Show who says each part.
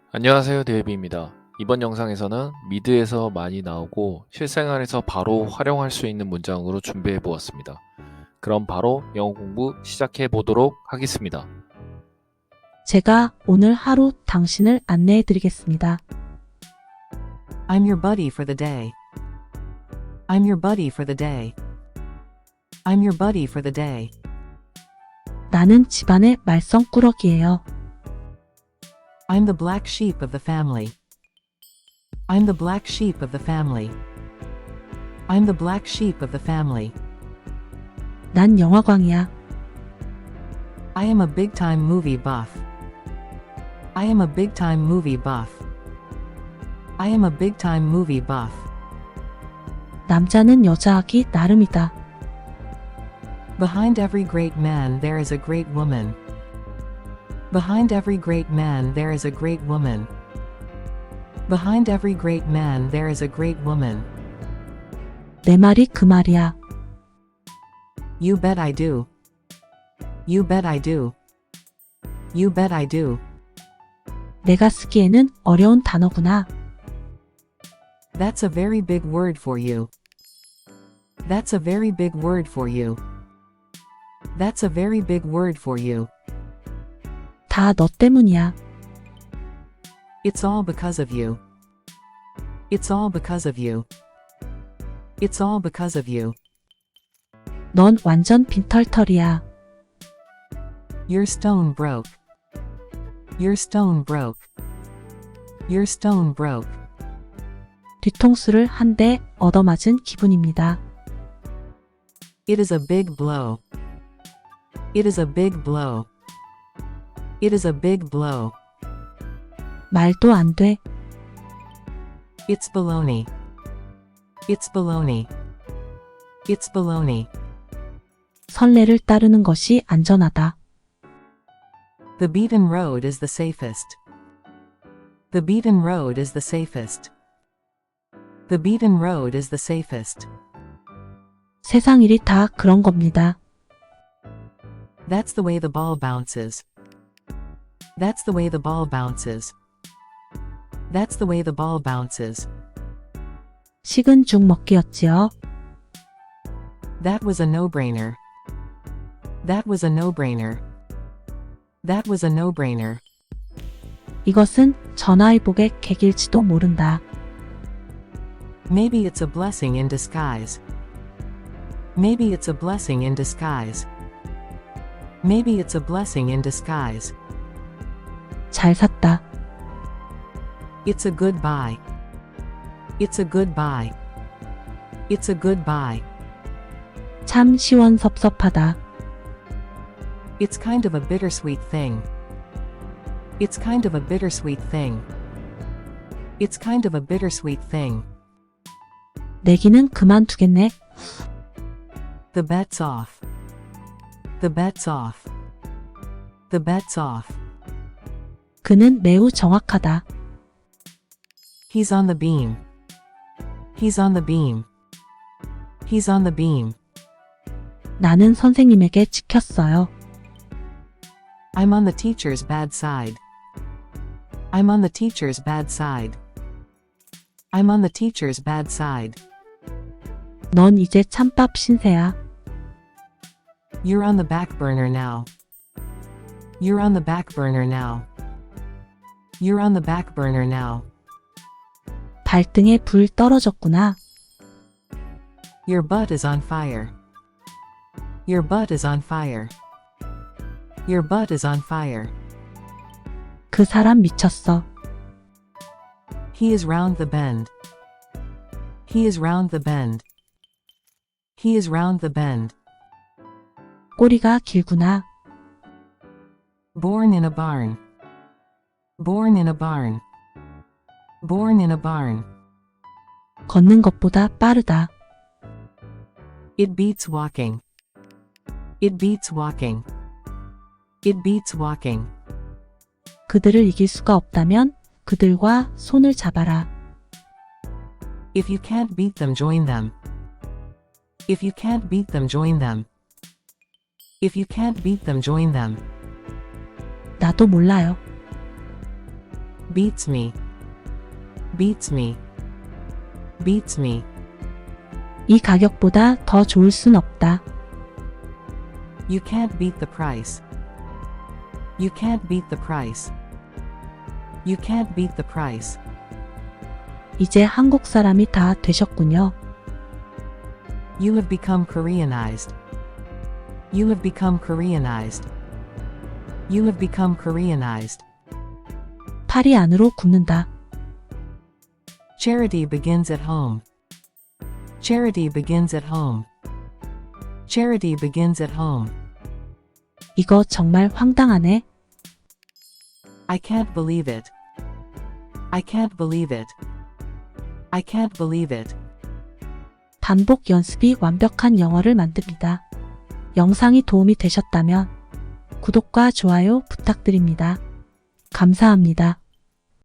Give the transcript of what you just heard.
Speaker 1: 안녕하세요, 데이비입니다. 이번 영상에서는 미드에서 많이 나오고 실생활에서 바로 활용할 수 있는 문장으로 준비해 보았습니다. 그럼 바로 영어 공부 시작해 보도록 하겠습니다.
Speaker 2: 제가 오늘 하루 당신을 안내해 드리겠습니다.
Speaker 3: I'm your buddy for the day. I'm your buddy for the day. I'm your buddy for the day.
Speaker 2: 나는 집안의 말썽꾸러기예요.
Speaker 3: I'm the black sheep of the family. I'm the black sheep of the family. I'm the black sheep of the family.
Speaker 2: 난 영화광이야.
Speaker 3: I am a big-time movie buff. I am a big-time movie buff. I am a big-time movie buff.
Speaker 2: 남자는 여자하기 나름이다.
Speaker 3: Behind every great man there is a great woman. Behind every great man there is a great woman. Behind every great man there is a great woman.
Speaker 2: 내 말이 그 말이야.
Speaker 3: You bet I do. You bet I do. You bet I do.
Speaker 2: 내가 쓰기에는 어려운 단어구나.
Speaker 3: That's a very big word for you. That's a very big word for you. That's a very big word for you.
Speaker 2: 다 너 때문이야.
Speaker 3: It's all because of you. It's all because of you. It's all because of you.
Speaker 2: 넌 완전 빈털털이야.
Speaker 3: Your stone broke. Your stone broke. Your stone broke.
Speaker 2: 뒤통수를 한 대 얻어맞은 기분입니다.
Speaker 3: It is a big blow. It is a big blow. It is a big blow.
Speaker 2: 말도 안 돼.
Speaker 3: It's baloney. It's baloney. It's baloney.
Speaker 2: 선례를 따르는 것이 안전하다.
Speaker 3: The beaten road is the safest. The beaten road is the safest. The beaten road is the safest.
Speaker 2: 세상 일이 다 그런 겁니다.
Speaker 3: That's the way the ball bounces. That's the way the ball bounces. That's the way the ball bounces.
Speaker 2: 식은 죽 먹기였지요.
Speaker 3: That was a no-brainer. That was a no-brainer. That was a no-brainer.
Speaker 2: 이것은 전화위복의 계기일지도 모른다.
Speaker 3: Maybe it's a blessing in disguise. Maybe it's a blessing in disguise. Maybe it's a blessing in disguise.
Speaker 2: 잘 샀다.
Speaker 3: It's a good buy. It's a good buy. It's a good buy.
Speaker 2: 참 시원섭섭하다.
Speaker 3: It's kind of a bittersweet thing. It's kind of a bittersweet thing. It's kind of a bittersweet thing.
Speaker 2: 내기는 그만두겠네.
Speaker 3: The bet's off. The bet's off. The bet's off.
Speaker 2: 그는 매우 정확하다.
Speaker 3: He's on the beam. He's on the beam. He's on the beam.
Speaker 2: 나는 선생님에게 찍혔어요.
Speaker 3: I'm on the teacher's bad side. I'm on the teacher's bad side. I'm on the teacher's bad side.
Speaker 2: 넌 이제 찬밥 신세야.
Speaker 3: You're on the back burner now. You're on the back burner now. You're on the back burner now.
Speaker 2: 발등에 불 떨어졌구나.
Speaker 3: Your butt is on fire. Your butt is on fire. Your butt is on fire.
Speaker 2: 그 사람 미쳤어.
Speaker 3: He is round the bend. He is round the bend. He is round the bend.
Speaker 2: 꼬리가 길구나.
Speaker 3: Born in a barn. Born in a barn. Born in a barn.
Speaker 2: 걷는 것보다 빠르다.
Speaker 3: It beats walking. It beats walking. It beats walking.
Speaker 2: 그들을 이길 수가 없다면 그들과 손을 잡아라.
Speaker 3: If you can't beat them, join them. If you can't beat them, join them. If you can't beat them, join them.
Speaker 2: 나도 몰라요.
Speaker 3: beats me, beats me, beats me.
Speaker 2: 이 가격보다 더 좋을 순 없다.
Speaker 3: You can't beat the price. You can't beat the price. You can't beat the price.
Speaker 2: 이제 한국 사람이 다 되셨군요.
Speaker 3: You have become Koreanized. You have become Koreanized. You have become Koreanized.
Speaker 2: 팔이 안으로 굽는다.
Speaker 3: Charity begins at home. Charity begins at home. Charity begins at home.
Speaker 2: 이거 정말 황당하네.
Speaker 3: I can't believe it. I can't believe it. I can't believe it.
Speaker 2: 반복 연습이 완벽한 영어를 만듭니다. 영상이 도움이 되셨다면 구독과 좋아요 부탁드립니다. 감사합니다.